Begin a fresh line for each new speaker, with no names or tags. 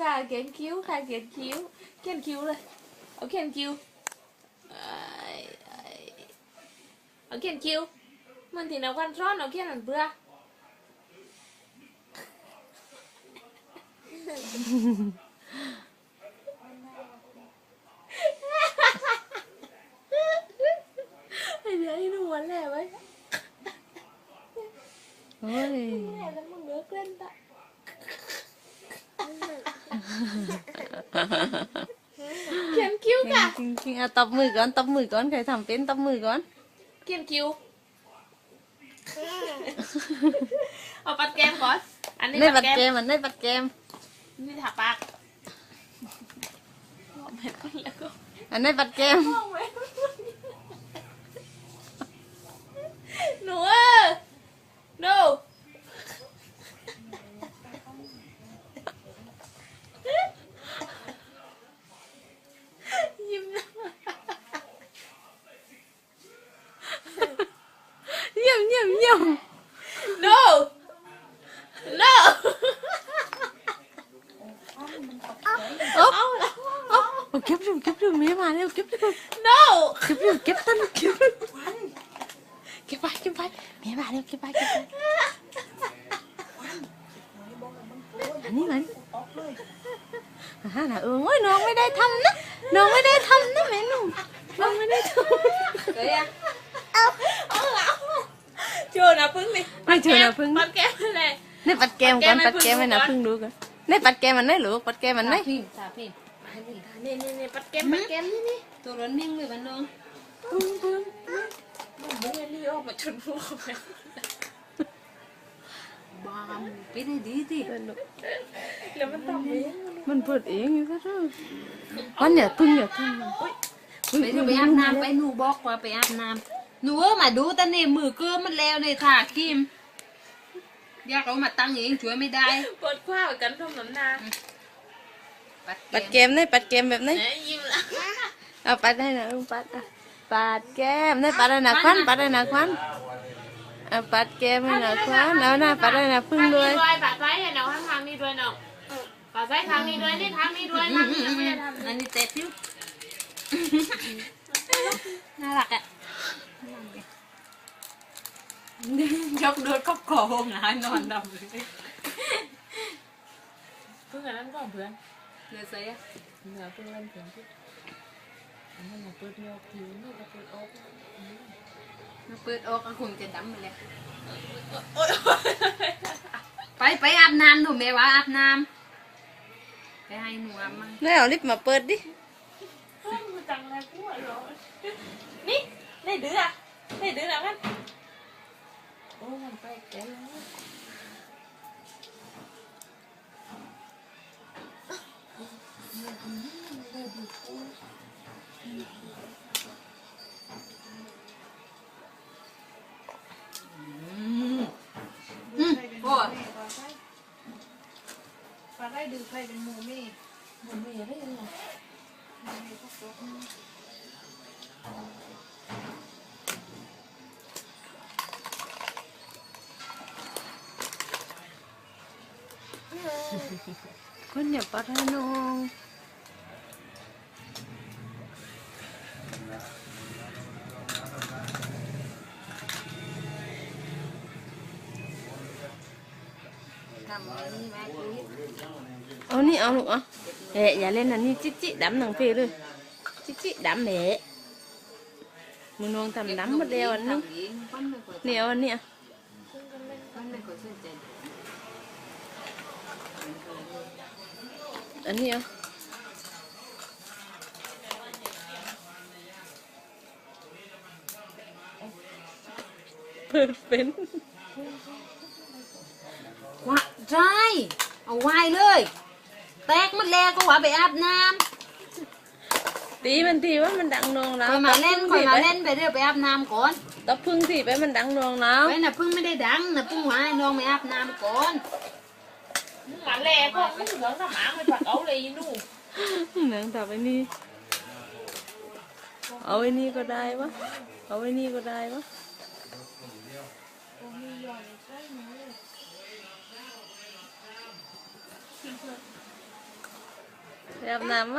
ค่ะเขียนคิ้วค่ะเขียนคิ้วเขียนคิ้วเลยเอาเขียนคิ้วเอาเขียนคิ้วมันที่นักวันซ้อนเอาเขียนมันเบื่อไอ้เดี๋ยวไอ้หนูวันแหละไว้
โอ้ย
แหละแล้วมึงเลือกเล่นตะเขียนคิ้วค่ะ
จริงๆเอาตบมือก่อนตบมือก่อนใครทำเป็นตบมือก่อน
เขียนคิ้วเอาปัดแก้มก่อนอันนี้
ในบั
ปั
ด
ดแก้
แก
ม
มมันในบัดแกม
นี่ถาปากแล้วก็
อันในบัดแกม
มองไว้หนูดูยิ้มนะ
เยี่ยมเยี่ยมเยี่ยม
no no
อ๊อบ
เอาละ
อ๊อบเก็บดูแม่มาแล้วเก็บดู
no
เก็บตันเก็บไปแม่มาแล้วเก็บไปอันนี้มันน่ะโอ้ยน้องไม่ได้ทำนะแม่หนุ่มน้องไม่ได้ทำ
เฮ้ยเอาละโชว์นะพึ่งดิ
ไม่โชว์นะพึ่ง
ปัดแก้มเลย
ในปัดแกมก่อนปัดแกมให้นะพึ่งดูกันในปัดแกมมันได้หรือปัดแกมมันได้
พิมพ์สาพิมพ์
นี่ปัดแก้มนี่
ตัวร้อนนิ่งเลยมันน้อง
พึ่งมึงรีออกมาชนพูไป
บามไปได้ดีสิ
แล้วมันต้องเอง
มันเปิดเองอยู่ซะเถอะวันเนี่ยพึ่งอย่าทำมัน
ไปอาบน้ำไปหนูบอกว่าไปอาบน้ำหนูมาดูแต่เนี่ยมือเกลือมันแล้วในถาครีมอยากเอามาตั้งเองช่วยไม่ได้
ปวดข้าวกันทำน้ำนา
ปัดแกมได้ปัดแกมแบบนี้
ยิ้มละ
เอาปัดให้นะลุงปัดปัดแก้มได้ปัดให้นะควันปัดให้นะควันเอาปัดแก้มให้นะควันเอาหน้าปัดให้นะพึ่งด้วย
ปัดไว้เนาะทางนี้ด้วยเนาะปัดไว้ทางนี้ด้วยนี่ทางนี้ด้วยทางนี้ไม่ได้ทำ
อันนี้เตะพิ้วน่ารักอ่ะยกโดดก็ก่อหงายนอนดำเลย
เพื่อนนั้นก็เพื่อน
เดี๋ยวเสีย
เหนือเพื่อนเพื่อนที่มันเปิดโยกผิวนี่ก็เปิดอก
มาเปิดออกก็คงจะดำไปเลยไปอาบน้ำหนูแม่ว่าอาบน้ำไปให้หนูอาบมั่ง
นี่เอาลิปมาเปิดดิ
มันจังอะไรกูเหรอนี่ได้ดื้ออ่ะได้ดื้อแล้วกันโอ้มันไปแก่แล้ว
โอ้ย
ปลาได้ดูใครเป็นหมูมี่
มันไม่ได้ยังไง
คนอย่าปัดให้น้องเอานี่เอาลูกเอ๊ะอย่าเล่นอันนี้จิดำหนังเพลเลยจิดำเละมึงน้องทำดำหมดแล้วอันนี้เนี่ยอันนี้อันนี้เปิดเป็น
ว่าใช่เอาไว้เลยแตกมันแล้วก็ว่าไปอาบน้ำ
ตีมันทีว่ามันดังนองแล้
ค
ว
อยมาเล่นไปเรื่อยไปอาบน้ำก่อน
ตบพึ่งทีไปมันดังนองแล้ว
ไปน่ะพึ่งไม่ได้ดังน่ะพึ่งว่าให้น้องไปอาบน้ำก่อน
หมาแหล่ก็ไม่เหมือนกับหมาไม่ปัดเอาเลยนู่น
หนังแต่ไอ้นี่เอาไอ้นี่ก็ได้วะเอาไอ้นี่ก็ได้วะไปอาบน้ำ